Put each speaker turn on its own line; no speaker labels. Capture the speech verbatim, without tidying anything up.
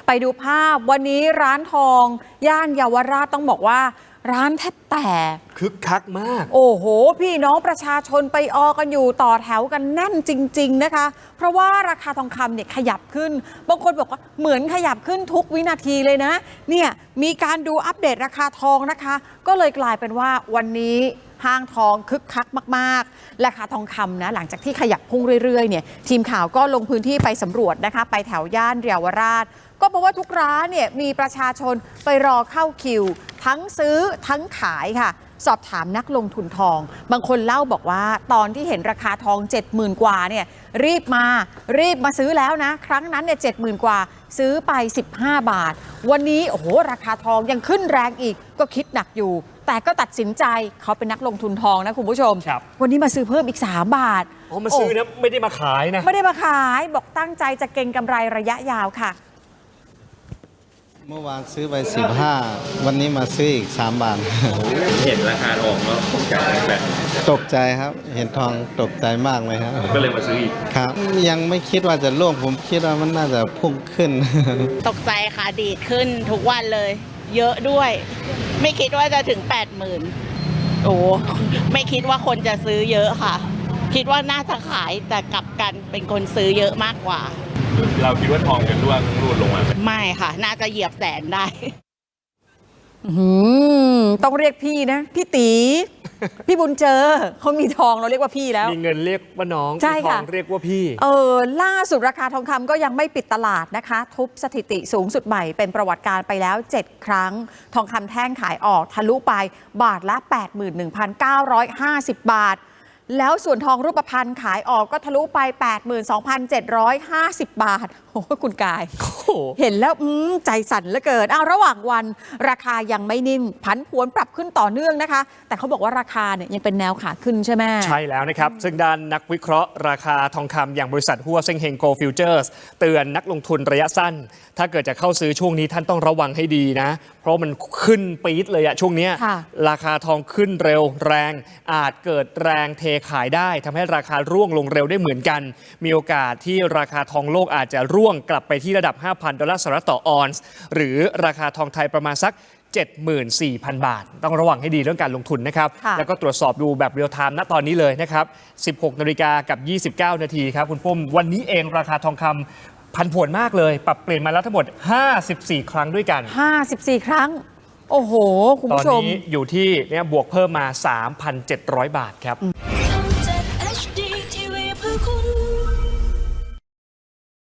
ไปดูภาพวันนี้ร้านทองย่านเยาวราชต้องบอกว่าร้านแทบแตก
คึกคักมาก
โอ้โหพี่น้องประชาชนไปออกันอยู่ต่อแถวกันแน่นจริงๆนะคะเพราะว่าราคาทองคำเนี่ยขยับขึ้นบางคนบอกว่าเหมือนขยับขึ้นทุกวินาทีเลยนะเนี่ยมีการดูอัปเดตราคาทองนะคะก็เลยกลายเป็นว่าวันนี้ห้างทองคึกคักมากๆราคาทองคำนะหลังจากที่ขยับพุ่งเรื่อยๆเนี่ยทีมข่าวก็ลงพื้นที่ไปสำรวจนะคะไปแถวย่านเยาวราชก็เพราะว่าทุกร้านเนี่ยมีประชาชนไปรอเข้าคิวทั้งซื้อทั้งขายค่ะสอบถามนักลงทุนทองบางคนเล่าบอกว่าตอนที่เห็นราคาทอง เจ็ดหมื่น กว่าเนี่ยรีบมารีบมาซื้อแล้วนะครั้งนั้นเนี่ย เจ็ดหมื่น กว่าซื้อไปสิบห้าบาทวันนี้โอ้โหราคาทองยังขึ้นแรงอีกก็คิดหนักอยู่แต่ก็ตัดสินใจเขาเป็นนักลงทุนทองนะคุณผู้ชมวันนี้มาซื้อเพิ่มอีกสามบาท
อ๋อมาซื้อนะไม่ได้มาขายนะ
ไม่ได้มาขายบอกตั้งใจจะเก็งกำไรระยะยาวค่ะ
เมื่อวานซื้อไปสิบห้าวันนี้มาซื้ออีกสามบาท
เห็นราคาทองแล้วตกใจแบบ
ตกใจครับเห็นทองตกใจมากเลยครับ
ก็เลยมาซื้ออีก
ครับยังไม่คิดว่าจะร่วงผมคิดว่ามันน่าจะพุ่งขึ้น
ตกใจค่ะดีดขึ้นทุกวันเลยเยอะด้วยไม่คิดว่าจะถึง แปดหมื่น โอ้ไม่คิดว่าคนจะซื้อเยอะค่ะคิดว่าน่าจะขายแต่กลับกันเป็นคนซื้อเยอะมากกว่า
เราคิดว่าทองจะร่วงรูดลงมา
ไม่ค่ะน่าจะเหยียบแสนได้
ต้องเรียกพี่นะพี่ตีพี่บุญเจอเขามีทองเราเรียกว่าพี่แล้ว
มีเงินเรียกว่าน้อง
ใช่ค่ะ
ทองเรียกว่าพี่
เออล่าสุดราคาทองคำก็ยังไม่ปิดตลาดนะคะทุบสถิติสูงสุดใหม่เป็นประวัติการไปแล้วเจ็ดครั้งทองคำแท่งขายออกทะลุไปบาทละ แปดหมื่นหนึ่งพันเก้าร้อยห้าสิบ บาทแล้วส่วนทองรูปพรรณขายออกก็ทะลุไป แปดหมื่นสองพันเจ็ดร้อยห้าสิบ บาทโอ้คุณกายเห็นแล้วใจสั่นเหลือเกินอ้าวระหว่างวันราคายังไม่นิ่งผันผวนปรับขึ้นต่อเนื่องนะคะแต่เขาบอกว่าราคาเนี่ยยังเป็นแนวขาขึ้นใช่ไหม
ใช่แล้วนะครับซึ่งด้านนักวิเคราะห์ราคาทองคำอย่างบริษัทฮั่วเซ็งเฮงโกลด์ฟิวเจอร์สเตือนนักลงทุนระยะสั้นถ้าเกิดจะเข้าซื้อช่วงนี้ท่านต้องระวังให้ดีนะเพราะมันขึ้นปี๊ดเลยอะช่วงนี้ราคาทองขึ้นเร็วแรงอาจเกิดแรงเทขายได้ทำให้ราคาร่วงลงเร็วได้เหมือนกันมีโอกาสที่ราคาทองโลกอาจจะร่วงกลับไปที่ระดับ ห้าพัน ดอลลาร์สหรัฐต่อออนซ์หรือราคาทองไทยประมาณสัก เจ็ดหมื่นสี่พัน บาทต้องระวังให้ดีเรื่องการลงทุนนะครับแล้วก็ตรวจสอบดูแบบเรียลไทม์ณตอนนี้เลยนะครับ สิบหกนาฬิกากับยี่สิบเก้านาทีครับคุณปุ้มวันนี้เองราคาทองคำผันผวนมากเลยปรับเปลี่ยนมาแล้วทั้งหมดห้าสิบสี่ครั้งด้วยกัน
ห้าสิบสี่ครั้งโอ้โหคุณผู้ชม
ตอนนี้อยู่ที่เนี่ยบวกเพิ่มมา สามพันเจ็ดร้อย บาทครับ